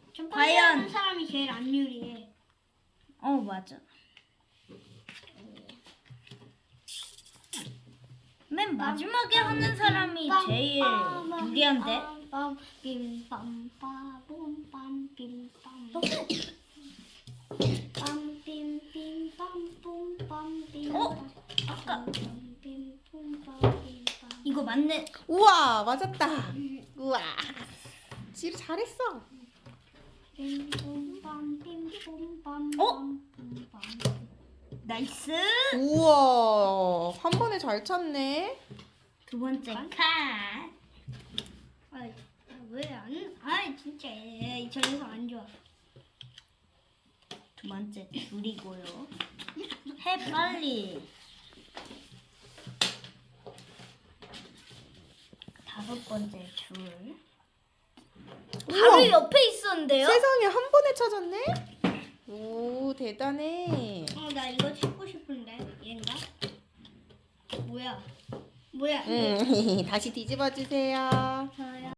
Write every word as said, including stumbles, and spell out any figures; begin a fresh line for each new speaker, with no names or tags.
첫 번째
과연-
하는 사람이 제일 안 유리해.
어 맞아. 맨 마지막에 하는 사람이 제일 유리한데. 어? 아까 이거 맞네.
우와, 맞았다. 우와. 지루 잘했어.
어? 나이스.
우와, 한 번에 잘 찼네.
두 번째 칸.
왜안? 아 진짜 얘 저 녀석 안 좋아.
두 번째 줄이고요. 해 빨리. 다섯 번째 줄. 바로
우와.
옆에 있었는데요?
세상에 한 번에 찾았네. 오, 대단해.
어 나 이거 찾고 싶은데 얘인가? 뭐야? 뭐야?
음, 다시 뒤집어 주세요.
저요.